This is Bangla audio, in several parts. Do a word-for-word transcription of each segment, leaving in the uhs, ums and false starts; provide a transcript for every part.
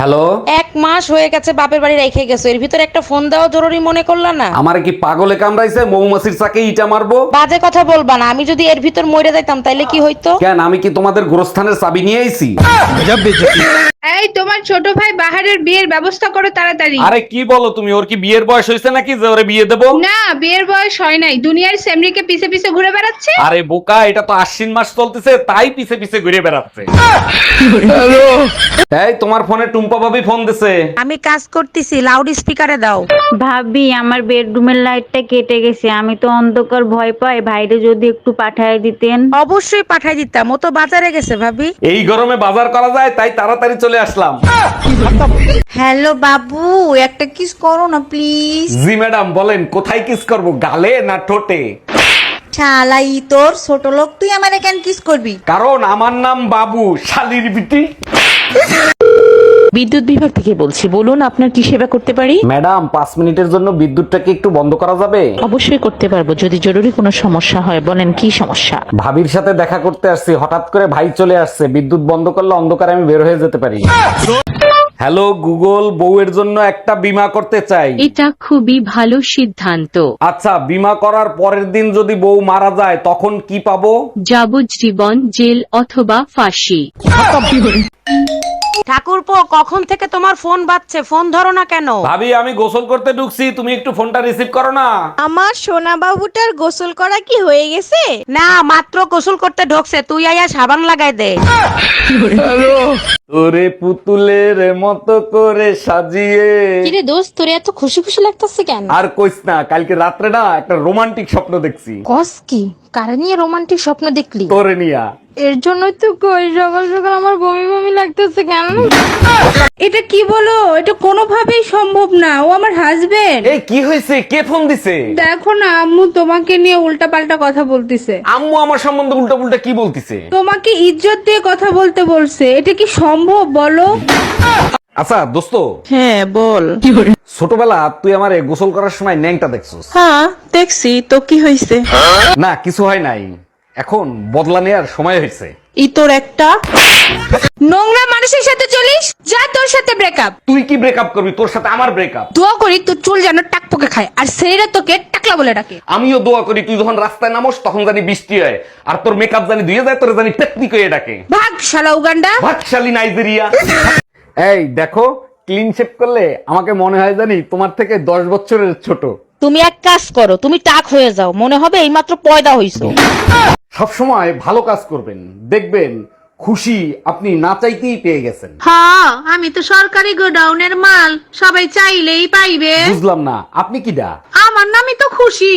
হ্যালো, এক মাস হয়ে গেছে বাপের বাড়ি রেখে গেছো, এর ভিতরে একটা ফোন দেওয়া জরুরি মনে করলা না? আমার কি পাগলে কামড়াইছে? মৌমাছির চাকে ইটা মারবো? বাজে কথা বলবা না, আমি যদি এর ভিতর মরে যাইতাম তাইলে কি হইতো? কেন, আমি কি তোমাদের গোরস্থানের চাবি নিয়ে আইছি? এই তোমার ছোট ভাই বাহারের বিয়ের ব্যবস্থা করো তাড়াতাড়ি। আরে কি বলো তুমি? ওর কি বিয়ের বয়স হয়েছে নাকি যে ওরে বিয়ে দেবো? না, বিয়ের বয়স হয় নাই, দুনিয়ার সেমরিকে পিছে পিছে ঘুরে বেড়াচ্ছে। আরে বোকা, এটা তো আশ্বিন মাস চলতেছে, তাই পিছে পিছে ঘুরে বেড়াচ্ছে। এই তোমার ফোনে টুম্পা ভাবি ফোন দিছে। আমি কাজ করতেছি, লাউড স্পিকারে দাও। ভাবি আমার বেডরুমের লাইটটা কেটে গেছে, আমি তো অন্ধকার ভয় পাই, ভাইরে যদি একটু পাঠায় দিতেন। অবশ্যই পাঠাই দিতাম, ও তো বাজারে গেছে ভাবি। এই গরমে বাজার করা যায়, তাই তাড়াতাড়ি চলে আসলাম। হ্যালো বাবু, একটা কিস করো না প্লিজ। জি ম্যাডাম, বলেন কোথায় কিস করব, গালে না ঠোঁটে? শালাই তোর ছোট লোক, তুই আমারে কেন কিস করবি? কারণ আমার নাম বাবু, শালির বিটি। বিদ্যুৎ বিভাগ থেকে বলছি, বলুন আপনার কি সেবা করতে পারি? ম্যাডাম, পাঁচ মিনিটের জন্য বিদ্যুৎটাকে একটু বন্ধ করা যাবে? অবশ্যই করতে পারবো, যদি জরুরি কোনো সমস্যা হয়। বলেন কি সমস্যা? ভাবির সাথে দেখা করতে আসছি, হঠাৎ করে ভাই চলে আসছে, বিদ্যুৎ বন্ধ করলে অন্ধকারে আমি বের হয়ে যেতে পারি। হ্যালো গুগল, বউয়ের জন্য একটা বীমা করতে চাই। এটা খুবই ভালো সিদ্ধান্ত। আচ্ছা, বীমা করার পরের দিন যদি বউ মারা যায় তখন কি পাবো? যাবজ্জীবন জেল অথবা ফাঁসি। ঠাকুরপো, কখন থেকে তোমার ফোন বাজছে, ফোন ধরো না কেন? ভাবি, আমি গোসল করতে ঢুকছি, তুমি একটু ফোনটা রিসিভ করো না। আমার সোনা বাবুটার গোসল করা কি হয়ে গেছে? না, মাত্র গোসল করতে ঢোকছে, তুই আয়া সাবান লাগাই দে। তোরে পুতুলের মতো করে সাজিয়ে। কিরে দোস্ত, তোর এত খুশি খুশি লাগতেছে কেন? আর কইস না, কালকে রাত্রে না একটা রোমান্টিক স্বপ্ন দেখছি। কস কি? কারে নিয়ে রোমান্টিক স্বপ্ন দেখলি? তোরে নিয়া। এর জন্যই তো কই সকাল সকাল আমার বমি বমি লাগতেছে কেন? এটা কি বলো? এটা কোনোভাবেই সম্ভব না, ও আমার হাজবেন্ড। এই কি হয়েছে? কে ফোন দিছে? দেখো না, আম্মু তোমাকে নিয়ে উল্টা পাল্টা কথা বলতিছে। আম্মু আমার সম্বন্ধে উল্টা পুল্টা কি বলতিছে? তোমাকে ইজ্জত দিয়ে কথা বলতে বলছে, এটা কি সম্ভব বলো? আচ্ছা দোস্ত, হ্যাঁ বল। ছোটবেলা তুই আমারে গোসল করার সময় ন্যাংটা দেখছস। হ্যাঁ দেখছি, তো কি হয়েছে? না, কিছু হয় নাই, এখন বদলা নেওয়ার সময় হয়েছে। ই তোর একটা। নোংরা মানুষের সাথে চলিস, যা তোর সাথে ব্রেকআপ। তুই কি ব্রেকআপ করবি? তোর সাথে আমার ব্রেকআপ। দোয়া করি তোর চুল যেন টাকপোকে খায়, আর ছেলেরা তোকে টাকলা বলে ডাকে। আমিও দোয়া করি তুই যখন রাস্তায় নামস তখন জানি বৃষ্টি হয়, আর তোর মেকআপ জানি ধুয়ে যায়, তোর জানি টেকনিক হয়ে ডাকে। ভাগ শালা উগান্ডা। ভাগশালী নাইজেরিয়া। এই দেখো, ক্লিন শেপ করলে আমাকে মনে হয় জানি তোমার থেকে দশ বছরের ছোট। তুমি এক কাজ করো, তুমি টাক হয়ে যাও, মনে হবে এইমাত্র পয়দা হইছো। সবসময় ভালো কাজ করবেন, দেখবেন খুশি আপনি না চাইতেই পেয়ে গেছেন। হ্যাঁ, আমি তো সরকারি গোডাউনের মাল, সবাই চাইলেই পাইবে। বুঝলাম না, আপনি কি ডা? আমার নামই তো খুশি।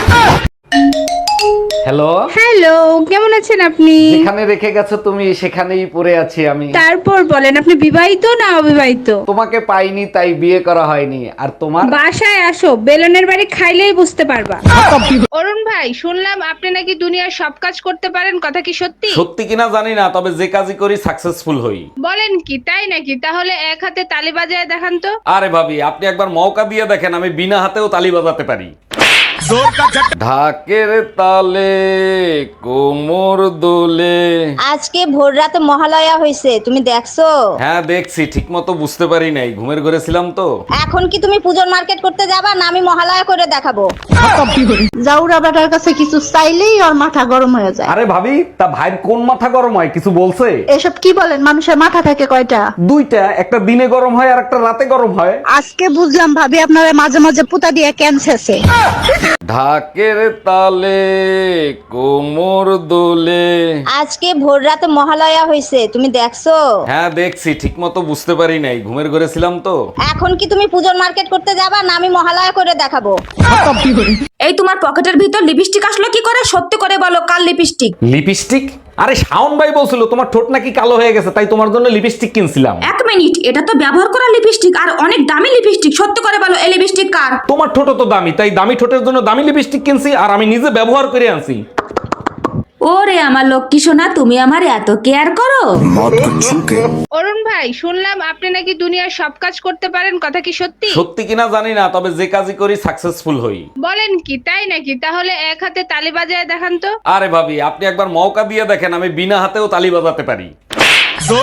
হ্যালো, হ্যালো, কেমন আছেন আপনি? যেখানে রেখে গেছো তুমি সেখানেই পড়ে আছি আমি। তারপর বলেন, আপনি বিবাহিত না অবিবাহিত? তোমাকে পাইনি তাই বিয়ে করা হয়নি। আর তোমার? বাসায় আসো, বেলনের বাড়ি খাইলেই বুঝতে পারবা। অরুণ ভাই, শুনলাম আপনি নাকি দুনিয়ার সব কাজ করতে পারেন, কথা কি সত্যি? সত্যি কিনা জানি না, তবে যে কাজই করি সাকসেসফুল হই। বলেন কি, তাই নাকি? তাহলে এক হাতে তালি বাজায় দেখান তো। আরে ভাবি, আপনি একবার মৌকা দিয়ে দেখেন, আমি বিনা হাতেও তালি বাজাতে পারি। ঢাকের তালে কোমর দোলে। আজকে ভোর রাতে মহালয়া হয়েছে, তুমি দেখছো? হ্যাঁ দেখছি, ঠিক মতো বুঝতে পারি নাই, ঘুমের ঘরে ছিলাম তো। এখন কি তুমি পুজোর মার্কেট করতে যাবা, না আমি মহালয়া করে দেখাবো? জাউরা বেটার কাছে কিছু চাইলেই ওর মাথা গরম হয়ে যায়। আরে ভাবি, তা ভাইয়ের কোন মাথা গরম হয় কিছু বলছে? এসব কি বলেন? মানুষের মাথা থাকে কয়টা? দুইটা, একটা দিনে গরম হয় আর একটা রাতে গরম হয়। আজকে বুঝলাম ভাবি আপনারা মাঝে মাঝে পুতা দিয়ে ক্যান্সারছে। ঢাকের তালে কোমর দোলে। আজকে ভোর রাতে মহালয়া হয়েছে, তুমি দেখছো? হ্যাঁ দেখছি, ঠিক মতো বুঝতে পারি নাই, ঘুমের ঘরে ছিলাম তো। এখন কি তুমি পুজোর মার্কেট করতে যাবা, না আমি মহালয়া করে দেখাবো? এই তোমার পকেটের ভিতর লিপস্টিক আসলো কি করে? সত্যি করে বলো, কাল লিপস্টিক? লিপস্টিক? আরে শাওন ভাই বলছিল তোমার ঠোঁট নাকি কালো হয়ে গেছে, তাই তোমার জন্য লিপস্টিক কিনছিলাম। এক মিনিট, এটা তো ব্যবহার করা লিপস্টিক আর অনেক দামি লিপস্টিক। সত্যি করে বলো, এই লিপস্টিক কার? তোমার ঠোঁট তো দামি, তাই দামি ঠোঁটের জন্য দামি লিপস্টিক কিনছি, আর আমি নিজে ব্যবহার করে আনছি। ওরে আমার লক্ষ্মী সোনা, তুমি আমার এত কেয়ার করো। অরুণ ভাই, শুনলাম আপনি নাকি দুনিয়ার সব কাজ করতে পারেন, কথা কি সত্যি? সত্যি কিনা জানি না, তবে যে কাজই করি সাকসেসফুল হই। বলেন কি, তাই নাকি? তাহলে এক হাতে তালি বাজায় দেখান তো। আরে ভাবি, আপনি একবার মৌকা দিয়ে দেখেন, আমি বিনা হাতেও তালি বাজাতে পারি। অরুণ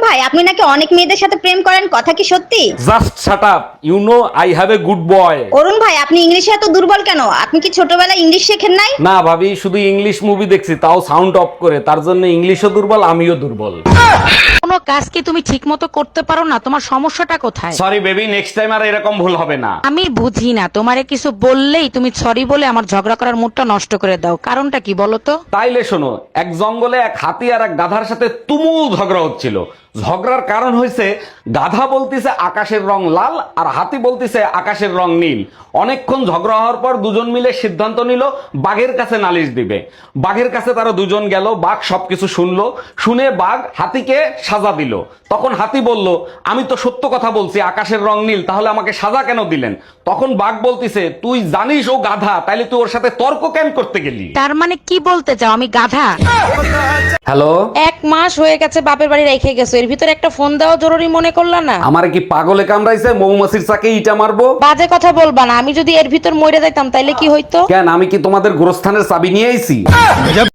ভাই আপনি নাকি অনেক মেয়েদের সাথে প্রেম করেন, কথা কি সত্যি? Just shut up, you know I have a good boy. Arun ভাই আপনি ইংলিশে এত দুর্বল কেন? আপনি কি ছোটবেলায় ইংলিশ শেখেন নাই? না ভাবি, শুধু ইংলিশ মুভি দেখছি, তাও সাউন্ড অফ করে, তার জন্য ইংলিশও দুর্বল আমিও দুর্বল। কোনো কাজ কি তুমি ঠিক মতো করতে পারো না? তোমার সমস্যাটা কোথায়? সরি বেবি, নেক্সট টাইম আর এরকম ভুল হবে না। আমি বুঝি না, তোমারে কিছু বললেই তুমি সরি বলে আমার ঝগড়া করার মুডটা নষ্ট করে দাও। কারণটা কি বলো তো? তাইলে শোনো, এক জঙ্গলে এক হাতি আর এক গাধার সাথে তুমুল ঝগড়া হচ্ছিল। ঝগড়ার কারণ হয়েছে গাধা বলতিছে আকাশের রং লাল আর হাতি বলতিছে আকাশের রং নীল। অনেকক্ষণ ঝগড়া হওয়ার পর দুজন মিলে সিদ্ধান্ত নিল বাঘের কাছে নালিশ দিবে। বাঘের কাছে তারা দুজন গেল, বাঘ সবকিছু শুনলো, শুনে বাঘ হাতিকে সাজা দিল। তখন হাতি বলল, আমি তো সত্য কথা বলছি আকাশের রং নীল, তাহলে আমাকে সাজা কেন দিলেন? তখন বাঘ বলতিছে, তুই জানিস ও গাধা, তাইলে তুই ওর সাথে তর্ক কেন করতে গেলি? তার মানে কি বলতে চাও আমি গাধা? হ্যালো, এক মাস হয়ে গেছে বাপের বাড়ি রেখে গেছো, এর ভিতরে একটা ফোন দেওয়া জরুরি মনে করলা না? আমার কি পাগলে কামড়াইছে মৌমাছির চাকে ইটা মারবো? বাজে কথা বলবা না, আমি যদি এর ভিতর মরে যাইতাম তাইলে কি হইতো? কেন, আমি কি তোমাদের গোরস্থানের চাবি নিয়ে আইছি?